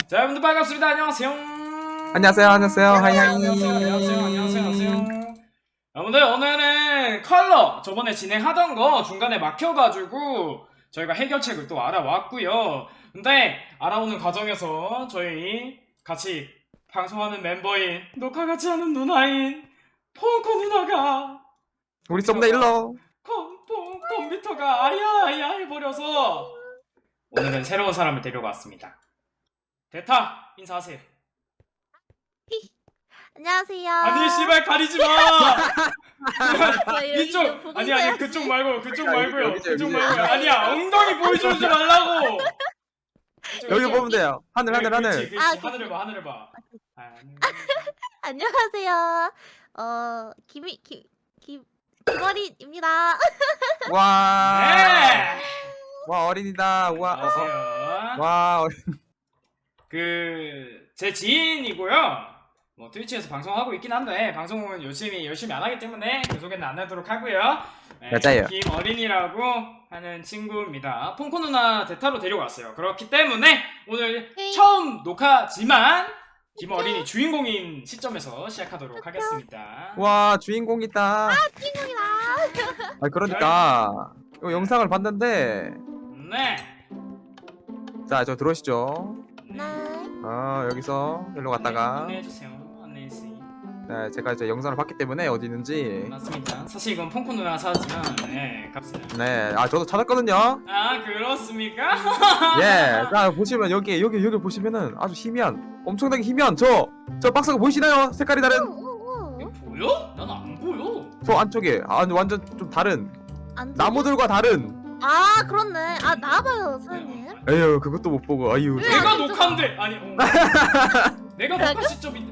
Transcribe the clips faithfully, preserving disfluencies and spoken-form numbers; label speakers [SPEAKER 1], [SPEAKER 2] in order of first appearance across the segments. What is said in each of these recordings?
[SPEAKER 1] 자, 여러분들 반갑습니다. 안녕하세요.
[SPEAKER 2] 안녕하세요, 안녕하세요, 하이하이.
[SPEAKER 1] 안녕하세요, 안녕하세요, 안녕하세요, 안녕하세요. 여러분들 오늘은 컬러 저번에 진행하던 거 중간에 막혀가지고 저희가 해결책을 또 알아왔고요. 근데 알아오는 과정에서 저희 같이 방송하는 멤버인 녹화 같이 하는 누나인 펑커 누나가
[SPEAKER 2] 우리 썸네일러.
[SPEAKER 1] 컴, 컴, 컴퓨터가 아야 아야 해버려서 오늘은 새로운 사람을 데려왔습니다. 대타 인사하세요.
[SPEAKER 3] 안녕하세요.
[SPEAKER 1] 아니 씨발 가리지 마.
[SPEAKER 3] 저 여기
[SPEAKER 1] 이쪽
[SPEAKER 3] 보고
[SPEAKER 1] 아니 아니
[SPEAKER 3] 있어야지.
[SPEAKER 1] 그쪽 말고 그쪽
[SPEAKER 2] 여기,
[SPEAKER 1] 말고요.
[SPEAKER 2] 여기죠,
[SPEAKER 1] 그쪽
[SPEAKER 2] 여기죠.
[SPEAKER 1] 말고요. 아니야 엉덩이 보여주지 말라고.
[SPEAKER 2] 여기 보면 돼요. 하늘, 하늘,
[SPEAKER 1] 그렇지,
[SPEAKER 2] 하늘.
[SPEAKER 1] 그렇지.
[SPEAKER 3] 아,
[SPEAKER 1] 하늘을 봐 하늘을 봐. 하늘.
[SPEAKER 3] 안녕하세요. 어 김이 김김 김어린입니다.
[SPEAKER 2] 와,
[SPEAKER 1] 네.
[SPEAKER 2] 와 어린이다. 와,
[SPEAKER 1] 안녕하세요.
[SPEAKER 2] 와, 어린.
[SPEAKER 1] 그 제 지인이고요. 뭐 트위치에서 방송하고 있긴 한데 방송은 열심히 열심히 안 하기 때문에 그 소개는 안 하도록 하고요. 네,
[SPEAKER 2] 맞아요.
[SPEAKER 1] 김어린이라고 하는 친구입니다. 폰코 누나 대타로 데려왔어요. 그렇기 때문에 오늘
[SPEAKER 3] 네.
[SPEAKER 1] 처음 녹화지만 김어린이 주인공인 시점에서 시작하도록 하겠습니다.
[SPEAKER 2] 와, 주인공이다.
[SPEAKER 3] 친구이다.
[SPEAKER 2] 아, 그러니까 이 영상을 봤는데,
[SPEAKER 1] 네.
[SPEAKER 2] 자, 저 들어오시죠.
[SPEAKER 3] 네.
[SPEAKER 2] 아, 여기서 일로 갔다가,
[SPEAKER 1] 안내해주세요. 안내해주세요.
[SPEAKER 2] 네, 제가 이제 영상을 봤기 때문에 어디 있는지.
[SPEAKER 1] 맞습니다. 사실 이건 폰코 누나가 사왔지만 네 값은.
[SPEAKER 2] 네, 아, 저도 찾았거든요.
[SPEAKER 1] 아 그렇습니까?
[SPEAKER 2] 예, 자 보시면 여기 여기 여기 보시면은 아주 희미한, 엄청나게 희미한 저 저 박스가 보이시나요? 색깔이 다른
[SPEAKER 3] 오오오.
[SPEAKER 1] 이거 보여? 난 안 보여.
[SPEAKER 2] 저 안쪽에 아 완전 좀 다른
[SPEAKER 3] 안
[SPEAKER 2] 나무들과 다른.
[SPEAKER 3] 아 그렇네. 아 나와봐요 선생님.
[SPEAKER 2] 에휴, 그것도 못 보고 아유.
[SPEAKER 3] 왜?
[SPEAKER 1] 내가
[SPEAKER 3] 안
[SPEAKER 1] 녹화인데 아니 어. 내가 녹화 시점인데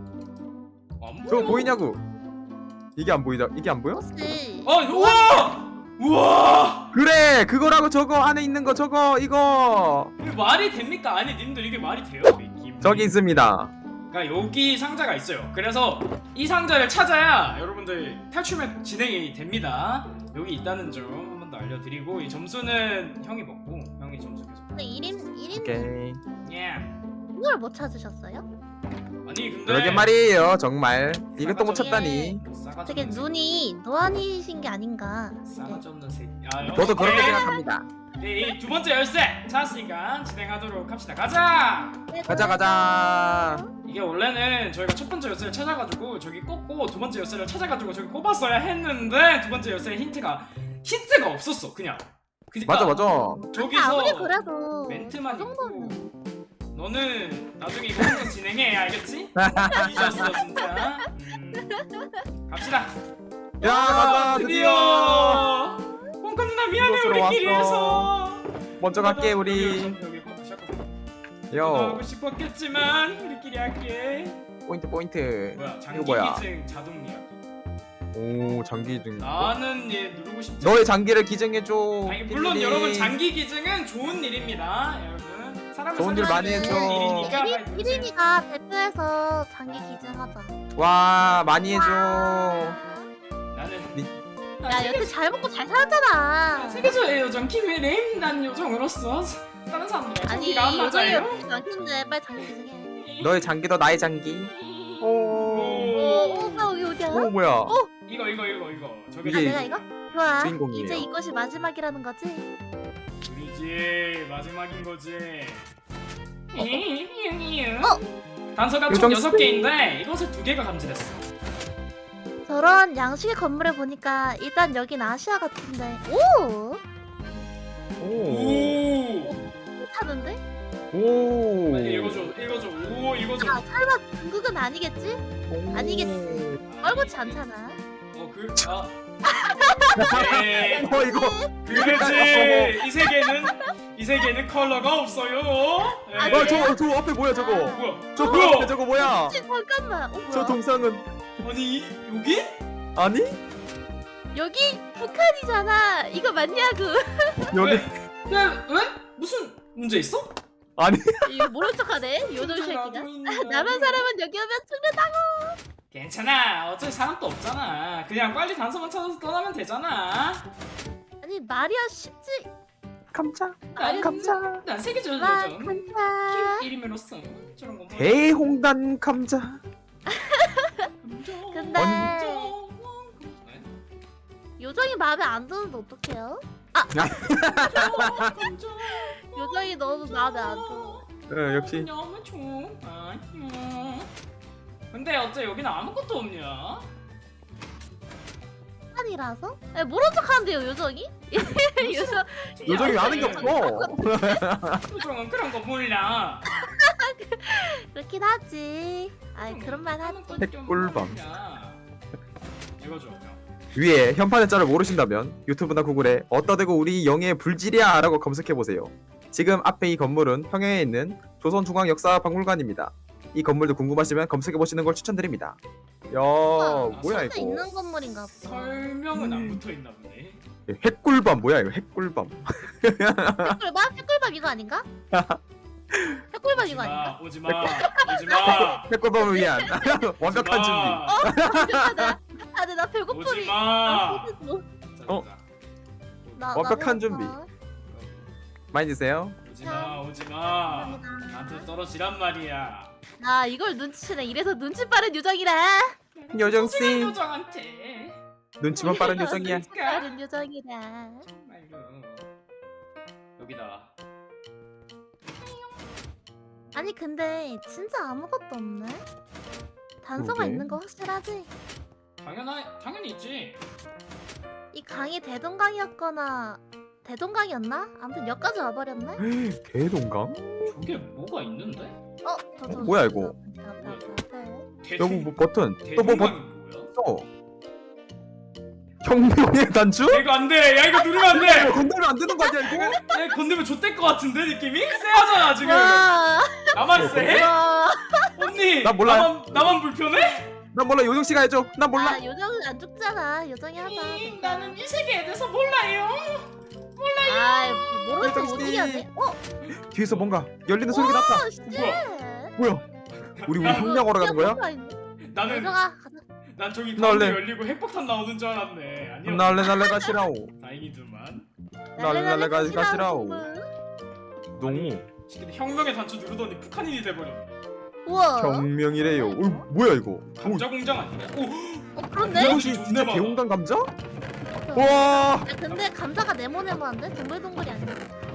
[SPEAKER 1] 안 보여.
[SPEAKER 2] 저거 보이냐고? 이게 안 보이다. 이게 안 보여?
[SPEAKER 3] 혹시
[SPEAKER 1] 아 우와 우와
[SPEAKER 2] 그래, 그거라고. 저거 안에 있는 거 저거 이거
[SPEAKER 1] 이게 말이 됩니까? 아니 님들 이게 말이 돼요? 이 김-
[SPEAKER 2] 저기 있습니다.
[SPEAKER 1] 그러니까 여기 상자가 있어요. 그래서 이 상자를 찾아야 여러분들 탈출맵 진행이 됩니다. 여기 있다는 점 한 번 더 알려드리고 이 점수는 형이 먹고 형이 점수 계속.
[SPEAKER 3] 근데 일인 일인
[SPEAKER 2] 오케이.
[SPEAKER 1] 예.
[SPEAKER 3] 이걸 못 찾으셨어요?
[SPEAKER 1] 아니 근데
[SPEAKER 2] 그러게 말이에요. 정말 이것도 못
[SPEAKER 1] 싸가지
[SPEAKER 2] 찾다니.
[SPEAKER 1] 싸가지
[SPEAKER 3] 되게
[SPEAKER 1] 없는 새끼.
[SPEAKER 3] 눈이 노안이신 게 아닌가.
[SPEAKER 1] 싸가지 없는 새끼. 아,
[SPEAKER 2] 저도 그렇게
[SPEAKER 1] 오케이.
[SPEAKER 2] 생각합니다.
[SPEAKER 1] 네, 이 두 번째 열쇠 찾았으니까 진행하도록 합시다. 가자.
[SPEAKER 3] 네,
[SPEAKER 2] 가자 가자.
[SPEAKER 1] 이게 원래는 저희가 첫 번째 열쇠를 찾아가지고 저기 꽂고 두 번째 열쇠를 찾아가지고 저기 꼽았어야 했는데 두 번째 열쇠에 힌트가 힌트가 없었어 그냥. 그러니까
[SPEAKER 2] 맞아 맞아.
[SPEAKER 1] 저기서
[SPEAKER 3] 아무리 그래도
[SPEAKER 1] 멘트만
[SPEAKER 3] 그
[SPEAKER 1] 있고
[SPEAKER 3] 정도는
[SPEAKER 1] 너는 나중에 이거 혼자 진행해 알겠지? 잊었어 진짜. 음. 갑시다.
[SPEAKER 2] 야, 가자
[SPEAKER 1] 드디어. 뽕카 누나 미안해
[SPEAKER 2] 이곳으로
[SPEAKER 1] 우리끼리
[SPEAKER 2] 왔어.
[SPEAKER 1] 해서.
[SPEAKER 2] 먼저 갈게 우리.
[SPEAKER 1] 여기 여기 여기 시작하자.
[SPEAKER 2] 요
[SPEAKER 1] 하고 싶었겠지만 우리끼리 할게.
[SPEAKER 2] 포인트 포인트.
[SPEAKER 1] 뭐야 장기
[SPEAKER 2] 이거 뭐야?
[SPEAKER 1] 기증 자동 예약.
[SPEAKER 2] 오, 장기 등.
[SPEAKER 1] 나는 얘 누르고 싶지.
[SPEAKER 2] 너의 장기를 기증해줘.
[SPEAKER 1] 아니, 물론
[SPEAKER 2] 삐삐리.
[SPEAKER 1] 여러분 장기 기증은 좋은 일입니다, 여러분. 사람을
[SPEAKER 2] 좋은 일 많이
[SPEAKER 1] 살리는
[SPEAKER 2] 해줘.
[SPEAKER 1] 일이니까 빨리 누르세요.
[SPEAKER 3] 일인이가 대표해서 장기 기증하자.
[SPEAKER 2] 와, 많이 해줘.
[SPEAKER 1] 나는
[SPEAKER 2] 니-
[SPEAKER 3] 야 여태 잘 먹고 잘 살았잖아.
[SPEAKER 1] 세계적의 요정 김혜림. 난 요정으로서 다른 사람들과
[SPEAKER 3] 아니
[SPEAKER 1] 장기가 안
[SPEAKER 3] 요정이
[SPEAKER 1] 맞아요.
[SPEAKER 3] 없지 않겠는데 빨리 장기 기증해.
[SPEAKER 2] 너의 장기도 나의 장기. 오.
[SPEAKER 3] 오, 오빠 여기 어디야?
[SPEAKER 2] 오, 뭐야?
[SPEAKER 1] 이거 이거 이거 이거 저기
[SPEAKER 2] 이게
[SPEAKER 3] 아, 내가 이거? 좋아.
[SPEAKER 2] 주인공이에요.
[SPEAKER 3] 이제 이것이 마지막이라는 거지?
[SPEAKER 1] 우리지 마지막인 거지.
[SPEAKER 3] 어?
[SPEAKER 1] 단서가 총
[SPEAKER 2] 요정
[SPEAKER 1] 여섯
[SPEAKER 2] 스페인.
[SPEAKER 1] 개인데 이것을 두 개가 감지됐어.
[SPEAKER 3] 저런 양식의 건물을 보니까 일단 여긴 아시아 같은데. 오!
[SPEAKER 2] 오.
[SPEAKER 1] 오.
[SPEAKER 3] 괜찮은데?
[SPEAKER 2] 오.
[SPEAKER 1] 빨리 읽어줘 읽어줘. 오 읽어줘.
[SPEAKER 3] 아 설마 중국은 아니겠지?
[SPEAKER 2] 오.
[SPEAKER 3] 아니겠지. 얼굴지 않잖아.
[SPEAKER 1] 어 그. 아. 네.
[SPEAKER 2] 어, 이거.
[SPEAKER 1] 그렇지. 이 세계는 이 세계는 컬러가 없어요. 네.
[SPEAKER 3] 아니,
[SPEAKER 2] 어, 저, 저 앞에 뭐야 저거?
[SPEAKER 1] 뭐야?
[SPEAKER 2] 저
[SPEAKER 1] 뭐야?
[SPEAKER 2] 앞에 저거 뭐야?
[SPEAKER 3] 혹시 잠깐만. 어, 뭐야?
[SPEAKER 2] 저 동상은
[SPEAKER 1] 아니 이, 여기?
[SPEAKER 2] 아니?
[SPEAKER 3] 여기 북한이잖아. 이거 맞냐고.
[SPEAKER 2] 여기
[SPEAKER 1] 왜? 왜? 왜? 무슨 문제 있어?
[SPEAKER 2] 아니?
[SPEAKER 3] 이거 모른 척하네. 요정 새끼가. 남한 사람은 여기 오면 죽는다고.
[SPEAKER 1] 괜찮아. 어차피 사람도 없잖아. 그냥 빨리 단서만 찾아서 떠나면 되잖아.
[SPEAKER 3] 아니 말이야 쉽지.
[SPEAKER 2] 감자
[SPEAKER 1] 난
[SPEAKER 2] 감자
[SPEAKER 1] 난 세계적으로
[SPEAKER 3] 와
[SPEAKER 1] 좀
[SPEAKER 3] 감사.
[SPEAKER 1] 이름으로써 저런 거.
[SPEAKER 2] 대홍단 감자.
[SPEAKER 3] 근데
[SPEAKER 1] 네?
[SPEAKER 3] 요정이 마음에 안 드는데 어떡해요? 아 요정이 너무 마음에 안 들어.
[SPEAKER 2] 어, 역시
[SPEAKER 1] 너무 좋아. 근데 어째 여기는 아무것도 없냐?
[SPEAKER 3] 한이라서? 에 모른 척하는데요 요정이? 요정
[SPEAKER 2] 요정이 아는 게 없어.
[SPEAKER 1] 요정은 그런 거 몰라.
[SPEAKER 3] 그렇긴 하지. 아이 그런 말 하지.
[SPEAKER 2] 핵꿀밤.
[SPEAKER 1] 이거 줘. 형.
[SPEAKER 2] 위에 현판의 짤을 모르신다면 유튜브나 구글에 어따 대고 우리 영예의 불질이야 라고 검색해보세요. 지금 앞에 이 건물은 평양에 있는 조선중앙역사박물관입니다. 이 건물도 궁금하시면 검색해보시는 걸 추천드립니다. 야 뭐야
[SPEAKER 3] 진짜
[SPEAKER 2] 이거.
[SPEAKER 3] 있는 건물인가 보다.
[SPEAKER 1] 설명은 안
[SPEAKER 2] 음.
[SPEAKER 1] 붙어 있나 보네.
[SPEAKER 2] 핵꿀밤 뭐야 이거 핵꿀밤.
[SPEAKER 3] 핵꿀밥? 핵꿀밥 이거 아닌가? 핵꿀밥 이거 아닌가?
[SPEAKER 1] 오지 마, 오지 마,
[SPEAKER 2] 핵꿀밤을 위한 완벽한 준비.
[SPEAKER 3] 아, 근데 나
[SPEAKER 1] 오지
[SPEAKER 3] 배고픔이.
[SPEAKER 1] 마.
[SPEAKER 2] 어?
[SPEAKER 3] 나, 나
[SPEAKER 2] 완벽한
[SPEAKER 3] 배고파.
[SPEAKER 2] 준비. 많이 드세요.
[SPEAKER 1] 오지 마, 오지 마.
[SPEAKER 3] 감사합니다.
[SPEAKER 1] 나한테 떨어지란 말이야.
[SPEAKER 3] 아 이걸 눈치채네. 이래서 눈치 빠른 요정이라.
[SPEAKER 2] 요정씨.
[SPEAKER 1] 소중한 요정한테.
[SPEAKER 2] 눈치만 빠른 요정이야.
[SPEAKER 3] 눈치 빠른 요정이라.
[SPEAKER 1] 아이고. 여기다.
[SPEAKER 3] 아니 근데 진짜 아무것도 없네. 단서가
[SPEAKER 2] 그러게.
[SPEAKER 3] 있는 거 확실하지?
[SPEAKER 1] 당연하, 당연히 있지.
[SPEAKER 3] 이 강이 대동강이었거나 대동강이었나? 아무튼 여기까지 와버렸네?
[SPEAKER 2] 개동강?
[SPEAKER 1] 저게 뭐가 있는데?
[SPEAKER 3] 어? 저, 저,
[SPEAKER 2] 뭐야,
[SPEAKER 3] 저,
[SPEAKER 2] 이거?
[SPEAKER 3] 저, 저, 저, 저, 저.
[SPEAKER 2] 여기 뭐 버튼. 또 뭐 버튼.
[SPEAKER 1] 대동강이 뭐야?
[SPEAKER 2] 어. 혁명의 단추?
[SPEAKER 1] 야, 이거 안 돼. 야, 이거 누르면 안 돼.
[SPEAKER 2] 건들면 안 되는 거 아니야 이거?
[SPEAKER 1] 야, 건드면 좆될 것 같은데 느낌이? 쎄하잖아 지금.
[SPEAKER 3] 와,
[SPEAKER 1] 나만 쎄?
[SPEAKER 3] 와.
[SPEAKER 1] 언니.
[SPEAKER 2] 나 몰라.
[SPEAKER 1] 나만 나만 불편해?
[SPEAKER 2] 난 몰라 요정 씨가 해줘. 난 몰라.
[SPEAKER 3] 아 요정은 안 죽잖아. 요정이 하자.
[SPEAKER 1] 음, 나는 이 세계에 대해서 몰라요.
[SPEAKER 3] 아 모르는 척
[SPEAKER 2] 요정
[SPEAKER 3] 못
[SPEAKER 2] 씨.
[SPEAKER 3] 이겨네. 어?
[SPEAKER 2] 뒤에서 뭔가 열리는 소리가 났다.
[SPEAKER 3] 어, 씨.
[SPEAKER 2] 뭐야? 우리 우리 혁명하러 가는 거야?
[SPEAKER 1] 나는
[SPEAKER 3] 요정아 가자.
[SPEAKER 1] 난 저기
[SPEAKER 2] 나
[SPEAKER 1] 가운데
[SPEAKER 2] 원래-
[SPEAKER 1] 열리고 핵폭탄 나오는 줄 알았네. 아니야.
[SPEAKER 2] 날래 날래 가시라오.
[SPEAKER 1] 다행이더만.
[SPEAKER 2] 날래 날래 가- 가시라오.
[SPEAKER 3] 가시라오.
[SPEAKER 2] 너무
[SPEAKER 1] 근데 혁명의 단추 누르더니 북한인이 돼버렸네.
[SPEAKER 3] 우와.
[SPEAKER 2] 혁명이래요. 어, 뭐야 이거?
[SPEAKER 1] 감자 공장 아니야? 오.
[SPEAKER 3] 어 그런데?
[SPEAKER 2] 요정 씨
[SPEAKER 1] 존나
[SPEAKER 2] 진짜
[SPEAKER 1] 많아.
[SPEAKER 2] 개홍당 감자?
[SPEAKER 3] 어.
[SPEAKER 2] 와.
[SPEAKER 3] 야, 근데 감자가 네모네모한데 동글동글이 아니야.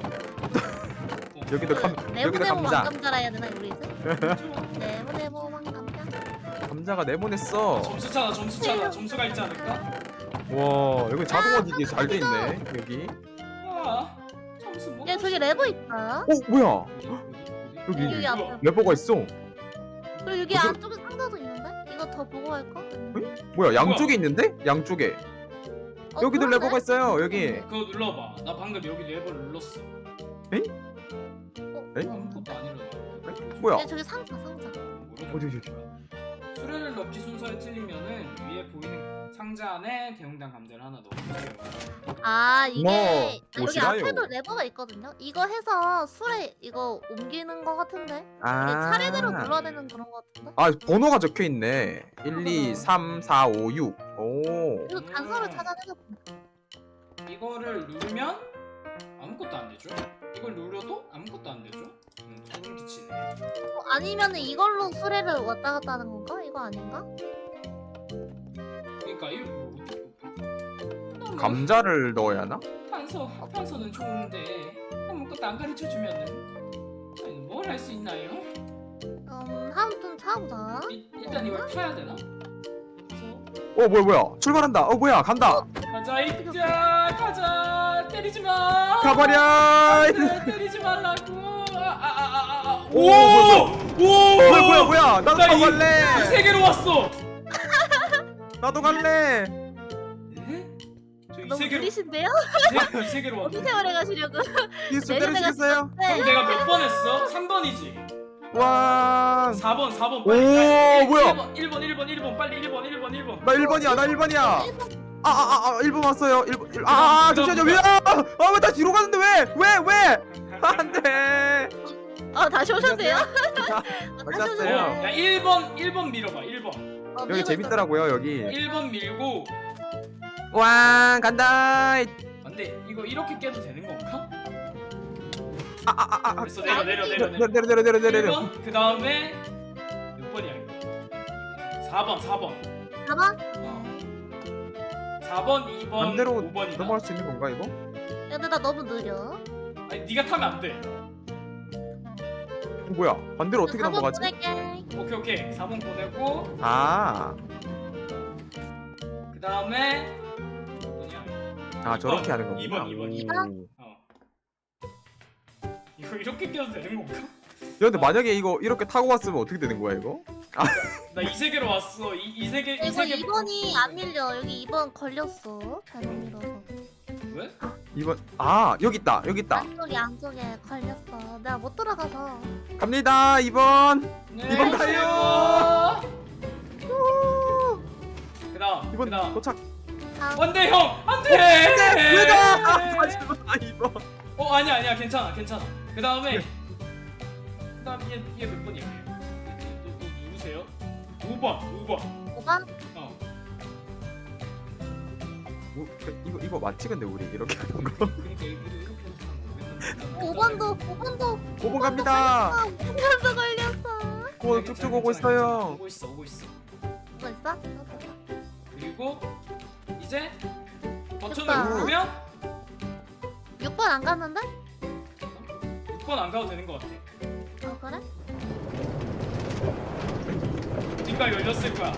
[SPEAKER 2] 여기도 감 여기도
[SPEAKER 3] 네모네모
[SPEAKER 2] 감자.
[SPEAKER 3] 왕감자라 해야 되나 우리 이제? 네모네모 왕감자.
[SPEAKER 2] 감자가 네모냈어.
[SPEAKER 1] 점수 차다 점수 차다 점수가 있지 않을까?
[SPEAKER 2] 와 여기 자동화 기계 잘 돼 있네 여기.
[SPEAKER 1] 아 점수 뭐?
[SPEAKER 3] 야 저기 레버 있다.
[SPEAKER 2] 어 뭐야?
[SPEAKER 1] 어디, 어디, 어디?
[SPEAKER 2] 여기.
[SPEAKER 3] 여기 앞에.
[SPEAKER 2] 레버가 있어.
[SPEAKER 3] 그리고 여기
[SPEAKER 2] 무슨-
[SPEAKER 3] 안쪽에 상자도 있는데? 이거 더 보고 할까?
[SPEAKER 2] 뭐야 양쪽에 있는데? 양쪽에.
[SPEAKER 3] 어,
[SPEAKER 2] 여기도
[SPEAKER 3] 그러네?
[SPEAKER 2] 레버가 있어요 여기.
[SPEAKER 1] 그거 눌러봐. 나 방금 여기 레버를 눌렀어.
[SPEAKER 2] 에이?
[SPEAKER 3] 어,
[SPEAKER 2] 에이?
[SPEAKER 1] 아무것도 안 일어나.
[SPEAKER 2] 뭐야?
[SPEAKER 3] 야 저기 상자 상자.
[SPEAKER 2] 어디, 어디, 어디?
[SPEAKER 1] 수레를 넣기 순서에 틀리면은 위에 보이는 상자 안에 대용당 감자를 하나 넣어주세요.
[SPEAKER 3] 아 이게
[SPEAKER 2] 뭐,
[SPEAKER 3] 아, 여기
[SPEAKER 2] 뭐시나요?
[SPEAKER 3] 앞에도 레버가 있거든요. 이거 해서 술에 이거 옮기는 거 같은데? 이게
[SPEAKER 2] 아.
[SPEAKER 3] 차례대로 눌러야 되는 그런 거 같은데?
[SPEAKER 2] 아 번호가 적혀 있네. 일, 이, 삼, 사, 오, 육. 오.
[SPEAKER 3] 이거 단서를
[SPEAKER 1] 음.
[SPEAKER 3] 찾아내서
[SPEAKER 1] 이거를 누르면 아무것도 안 되죠? 이걸 눌러도 아무것도 안 되죠? 음, 소름 끼치네.
[SPEAKER 3] 어, 아니면 이걸로 수레를 왔다 갔다 하는 건가? 이거 아닌가?
[SPEAKER 1] 그러니까 이거 뭐 어떻게
[SPEAKER 2] 감자를 넣어야 하나?
[SPEAKER 1] 탄소 탄소는 좋은데 아무것도 안 가르쳐 주면은 뭘 할 수 있나요?
[SPEAKER 3] 음 한번 좀 찾아보자.
[SPEAKER 1] 이, 일단 이걸 타야 되나? 그래서
[SPEAKER 2] 어 뭐야 뭐야 출발한다. 어 뭐야 간다.
[SPEAKER 1] 가자 이자 가자 때리지 마.
[SPEAKER 2] 가버려.
[SPEAKER 1] 안돼, 때리지 말라고. 아아아아
[SPEAKER 2] 오,
[SPEAKER 1] 오! 오!
[SPEAKER 2] 뭐야 뭐야 뭐야 나도
[SPEAKER 1] 나
[SPEAKER 2] 타고
[SPEAKER 1] 이-
[SPEAKER 2] 갈래.
[SPEAKER 1] 이 세계로 왔어.
[SPEAKER 2] 나도 갈래.
[SPEAKER 1] 네? 저이
[SPEAKER 3] 너무
[SPEAKER 1] 세계로
[SPEAKER 3] 느리신데요?
[SPEAKER 1] 이 세계로
[SPEAKER 3] 어디
[SPEAKER 1] 왔네.
[SPEAKER 3] 세월에 가시려고?
[SPEAKER 2] 이수
[SPEAKER 3] 내가
[SPEAKER 2] 때려주겠어요?
[SPEAKER 3] 네.
[SPEAKER 1] 그럼 내가 몇 번 했어? 삼 번이지.
[SPEAKER 2] 와.
[SPEAKER 1] 사 번, 사 번
[SPEAKER 2] 오,
[SPEAKER 1] 빨리. 빨리.
[SPEAKER 2] 뭐야?
[SPEAKER 1] 일 번, 일 번, 일 번, 일 번, 빨리 일 번, 일 번, 일 번.
[SPEAKER 2] 나 일 번이야 나 일 번이야. 아아아 일 번 왔어요. 일 번. 아, 아
[SPEAKER 1] 그다음,
[SPEAKER 2] 잠시만요. 왜? 아 왜 다 뒤로 가는데 왜? 왜 왜? 안돼.
[SPEAKER 3] 어 다시 오셨대요?
[SPEAKER 2] 안녕하세요.
[SPEAKER 1] 어, 야 일 번, 일 번 밀어봐. 일 번.
[SPEAKER 3] 어,
[SPEAKER 2] 여기
[SPEAKER 3] 밀고
[SPEAKER 2] 재밌더라고요 여기.
[SPEAKER 1] 일 번 밀고.
[SPEAKER 2] 왕 간다.
[SPEAKER 1] 근데 이거 이렇게 깨도 되는 건가?
[SPEAKER 2] 아아아아
[SPEAKER 1] 됐어 내려 내려 내려
[SPEAKER 2] 내려
[SPEAKER 1] 내려
[SPEAKER 2] 내려 내려 내려 내려.
[SPEAKER 1] 일 번 그 다음에 몇 번이야 이거? 사 번 사 번
[SPEAKER 3] 가봐.
[SPEAKER 1] 사 번 이 번
[SPEAKER 2] 반대로
[SPEAKER 1] 오 번이다.
[SPEAKER 2] 넘어갈 수 있는 건가 이거?
[SPEAKER 3] 야, 근데 나 너무 느려.
[SPEAKER 1] 아니 네가 타면 안 돼.
[SPEAKER 2] 어, 뭐야? 반대로 어떻게
[SPEAKER 3] 사 번
[SPEAKER 2] 넘어가지?
[SPEAKER 3] 보낼게.
[SPEAKER 1] 오케이 오케이 사 번 보내고
[SPEAKER 2] 아,
[SPEAKER 1] 그 다음에 뭐냐?
[SPEAKER 2] 아 저렇게
[SPEAKER 1] 이 번,
[SPEAKER 2] 하는 거구나.
[SPEAKER 1] 이 번, 이 번,
[SPEAKER 2] 오.
[SPEAKER 3] 이 번?
[SPEAKER 1] 어. 이거 이렇게 껴도 되는 건가?
[SPEAKER 2] 야 근데 만약에 이거 이렇게 타고 왔으면 어떻게 되는 거야 이거?
[SPEAKER 1] 나 이 세계로 왔어. 이, 이 세계 이
[SPEAKER 3] 이거
[SPEAKER 1] 세계
[SPEAKER 3] 이 번이 안 밀려. 여기 이 번 걸렸어. 잘못 밀어서.
[SPEAKER 1] 왜?
[SPEAKER 2] 이번 아 여기 있다 여기 있다.
[SPEAKER 3] 안쪽에 안쪽에 걸렸어. 내가 못 들어가서.
[SPEAKER 2] 갑니다 이번.
[SPEAKER 1] 네,
[SPEAKER 2] 이번 가요.
[SPEAKER 1] 그다음
[SPEAKER 2] 이번
[SPEAKER 1] 그다음
[SPEAKER 2] 도착.
[SPEAKER 3] 다음.
[SPEAKER 1] 안돼 형 안돼.
[SPEAKER 2] 왜가? 아, 마지막 이번.
[SPEAKER 1] 어 아니야 아니야 괜찮아 괜찮아. 그 다음에
[SPEAKER 2] 네.
[SPEAKER 1] 그다음 얘얘 몇 번이야? 얘? 얘, 얘, 너, 너 누구세요? 오 번 오 번.
[SPEAKER 3] 오 번?
[SPEAKER 1] 어.
[SPEAKER 2] 뭐, 이거 이거 맞지 근데 우리 이렇게 하는 거.
[SPEAKER 1] 그러니까 이거 이렇게 해서
[SPEAKER 3] 오 번도 오 번도
[SPEAKER 2] 오 번 갑니다.
[SPEAKER 3] 오 번도 걸렸어.
[SPEAKER 2] 오 쭉쭉 오고 있어요.
[SPEAKER 1] 오고 있어 오고 있어.
[SPEAKER 3] 뭐 있어?
[SPEAKER 1] 그리고 이제 버튼을
[SPEAKER 3] 됐다.
[SPEAKER 1] 누르면
[SPEAKER 3] 육 번 안 갔는데?
[SPEAKER 1] 육 번 안 가도 되는 것 같아.
[SPEAKER 3] 어 그래?
[SPEAKER 1] 어딘가 열렸을 거야.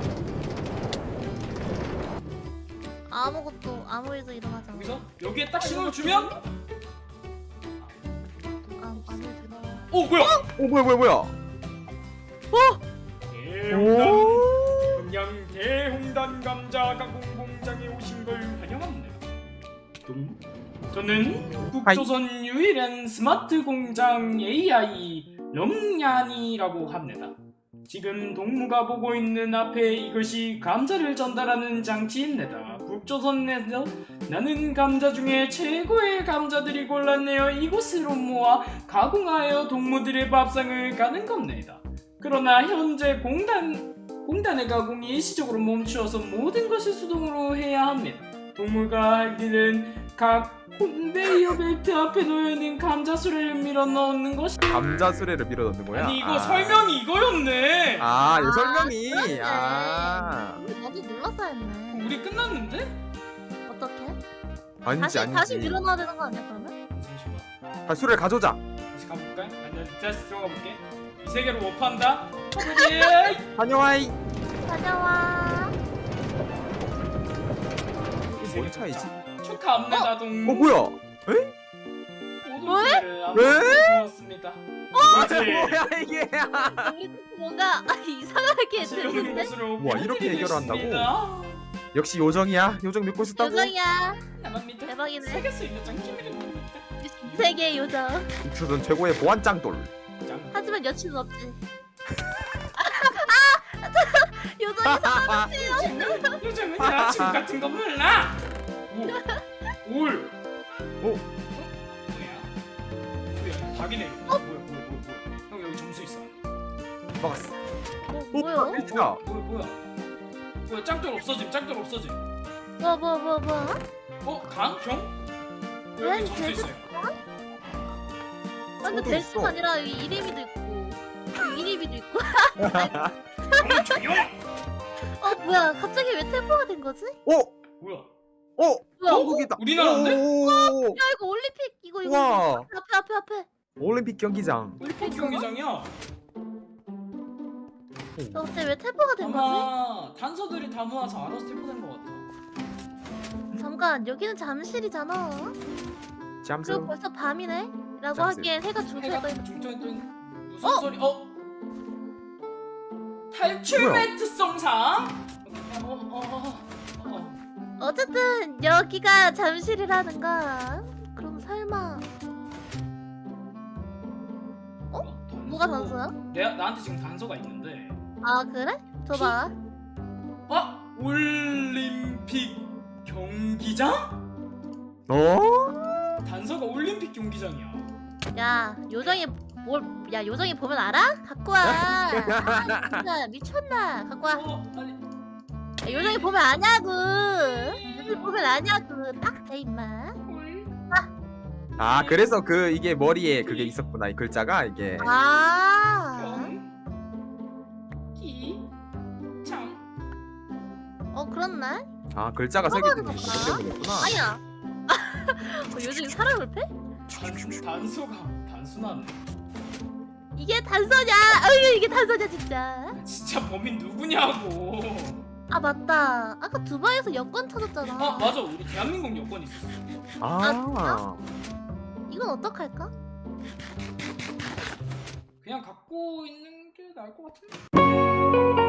[SPEAKER 3] 아무것도 아무 일도 일어나지 않아.
[SPEAKER 1] 여기서 여기에 딱 신호를 주면
[SPEAKER 3] 아, 아무 일도 일어나.
[SPEAKER 1] 오 뭐야?
[SPEAKER 2] 오 뭐야 뭐야 뭐야.
[SPEAKER 1] 대홍단
[SPEAKER 2] 오.
[SPEAKER 1] 그냥 대홍단 감자 가공 공장에 오신 걸 환영합니다. 뚱. 저는 북조선 유일한 스마트 공장 에이아이 렁얀이라고 합니다. 지금 동무가 보고 있는 앞에 이것이 감자를 전달하는 장치입니다. 북조선에서 나는 감자 중에 최고의 감자들이 골랐네요. 이곳으로 모아 가공하여 동무들의 밥상을 가는 겁니다. 그러나 현재 공단, 공단의 가공이 일시적으로 멈추어서 모든 것을 수동으로 해야 합니다. 동무가 할 일은 각 컨베이어 벨트 앞에 놓여있는 감자 수레를 밀어 넣는 것이.
[SPEAKER 2] 감자 수레를 밀어 넣는 거야?
[SPEAKER 1] 아니 이거
[SPEAKER 2] 아.
[SPEAKER 1] 설명이 이거였네.
[SPEAKER 2] 아, 이
[SPEAKER 3] 아,
[SPEAKER 2] 설명이.
[SPEAKER 3] 그렇네.
[SPEAKER 2] 아.
[SPEAKER 3] 우리 먼저 눌렀어야 했네.
[SPEAKER 1] 우리 끝났는데?
[SPEAKER 3] 어떻게?
[SPEAKER 2] 아니지
[SPEAKER 3] 다시
[SPEAKER 2] 아니지.
[SPEAKER 3] 다시 밀어넣어야 되는 거 아니야 그러면?
[SPEAKER 1] 잠시만.
[SPEAKER 2] 아, 수레를 가져오자.
[SPEAKER 1] 다시 가볼까? 아니 다시 들어가 볼게. 이 세계로 오판다. 예.
[SPEAKER 2] 다녀와이.
[SPEAKER 3] 다녀와.
[SPEAKER 2] 이게 뭔 차이지?
[SPEAKER 1] 축하합니다 동무.
[SPEAKER 2] 어 뭐야?
[SPEAKER 1] 모든
[SPEAKER 3] 뭐해?
[SPEAKER 1] 수레를 아주
[SPEAKER 2] 왜?
[SPEAKER 1] 고맙습니다. 그렇지.
[SPEAKER 2] 뭐야 이게?
[SPEAKER 3] 우리 뭔가 이상하게
[SPEAKER 1] 다시 오는
[SPEAKER 3] 됐는데?
[SPEAKER 1] 곳으로
[SPEAKER 2] 우와, 이렇게 해결한다고?
[SPEAKER 1] 보내드리겠습니다.
[SPEAKER 2] 역시 요정이야. 요정 믿고 싶다고.
[SPEAKER 3] 요정이야.
[SPEAKER 1] 나만 믿어.
[SPEAKER 3] 대박이네.
[SPEAKER 1] 세계 수입장 키미를 봅니다.
[SPEAKER 3] 이 세계의 요정.
[SPEAKER 2] 조선 최고의 보안 짱돌.
[SPEAKER 1] 짱.
[SPEAKER 3] 하지만 여친은 없지. 요정이
[SPEAKER 1] 요즘은 요즘은 여자친구 같은 거 몰라. 오, 올.
[SPEAKER 2] 오.
[SPEAKER 1] 어? 뭐야? 뭐야? 닭이네. 어? 뭐야? 뭐야? 뭐야? 뭐야? 형 여기 점수 있어.
[SPEAKER 2] 막았어.
[SPEAKER 3] 뭐,
[SPEAKER 2] 오
[SPEAKER 3] 뭐야?
[SPEAKER 2] 끝이다.
[SPEAKER 1] 뭐야? 뭐야? 뭐야? 짱돌 없어짐. 짱돌 없어짐.
[SPEAKER 3] 뭐 뭐 뭐 뭐?
[SPEAKER 1] 어? 강? 형?
[SPEAKER 3] 왜?
[SPEAKER 1] 여기 점수
[SPEAKER 3] 쟤도-
[SPEAKER 1] 있어요.
[SPEAKER 3] 아, 근데
[SPEAKER 2] 저도
[SPEAKER 3] 될 수가
[SPEAKER 2] 있어.
[SPEAKER 3] 아니라 이 이름이도 있고 이 이름이도 있고.
[SPEAKER 1] 형은 조용.
[SPEAKER 3] 어 뭐야? 갑자기 왜 템포가 된 거지?
[SPEAKER 2] 오.
[SPEAKER 1] 뭐야?
[SPEAKER 2] 오.
[SPEAKER 3] 뭐야?
[SPEAKER 2] 한국이다.
[SPEAKER 1] 우리나라인데?
[SPEAKER 2] 오.
[SPEAKER 3] 야 이거 올림픽 이거 이거
[SPEAKER 2] 우와.
[SPEAKER 3] 앞에 앞에 앞에.
[SPEAKER 2] 올림픽 경기장.
[SPEAKER 1] 올림픽 경기장이야.
[SPEAKER 3] 어 근데 왜 템포가 된 거지?
[SPEAKER 1] 아마 단서들이 다 모아서 알아서 템포된 것 같아.
[SPEAKER 3] 잠깐 여기는 잠실이잖아. 그리고
[SPEAKER 2] 잠수.
[SPEAKER 3] 벌써 밤이네? 라고
[SPEAKER 2] 잠실.
[SPEAKER 3] 하기엔 해가 중천에
[SPEAKER 1] 해가
[SPEAKER 3] 떠 있는.
[SPEAKER 1] 중천에 떠 있는 무슨
[SPEAKER 3] 어?
[SPEAKER 1] 소리? 어? 탈출
[SPEAKER 2] 뭐야?
[SPEAKER 1] 매트 송상? 어, 어, 어, 어.
[SPEAKER 3] 어쨌든 여기가 잠실이라는 거야. 그럼 설마
[SPEAKER 1] 어?
[SPEAKER 3] 뭐가 단서야?
[SPEAKER 1] 내가 나한테 지금 단서가 있는데.
[SPEAKER 3] 아 그래? 줘봐.
[SPEAKER 1] 어? 올림픽 경기장?
[SPEAKER 2] 어?
[SPEAKER 1] 단서가 올림픽 경기장이야.
[SPEAKER 3] 야 요정이 뭘? 야 요정이 보면 알아? 갖고 와. 아, 진짜 미쳤나? 갖고 와.
[SPEAKER 1] 어? 아니
[SPEAKER 3] 야, 요정이 보면 아냐고. 요정이 보면 아냐고. 딱 돼 임마.
[SPEAKER 1] 올
[SPEAKER 2] 아 그래서 그 이게 머리에 그게 있었구나 이 글자가 이게.
[SPEAKER 3] 아.
[SPEAKER 1] 경기장.
[SPEAKER 3] 어 그렇네.
[SPEAKER 2] 아 글자가 세 개
[SPEAKER 3] 써봐야
[SPEAKER 2] 되는
[SPEAKER 3] 되나?
[SPEAKER 2] 것 때문이구나.
[SPEAKER 3] 아니야. 어, 요즘 사람을 패?
[SPEAKER 1] 단, 단소가 단순하네.
[SPEAKER 3] 이게 단서냐? 어이 이게 단서냐 진짜.
[SPEAKER 1] 진짜 범인 누구냐고.
[SPEAKER 3] 아 맞다. 아까 두바이에서 여권 찾았잖아.
[SPEAKER 1] 아 맞아, 우리 대한민국 여권 있었어.
[SPEAKER 2] 아.
[SPEAKER 3] 이건 어떡할까?
[SPEAKER 1] 그냥 갖고 있는 게 나을 것 같은데.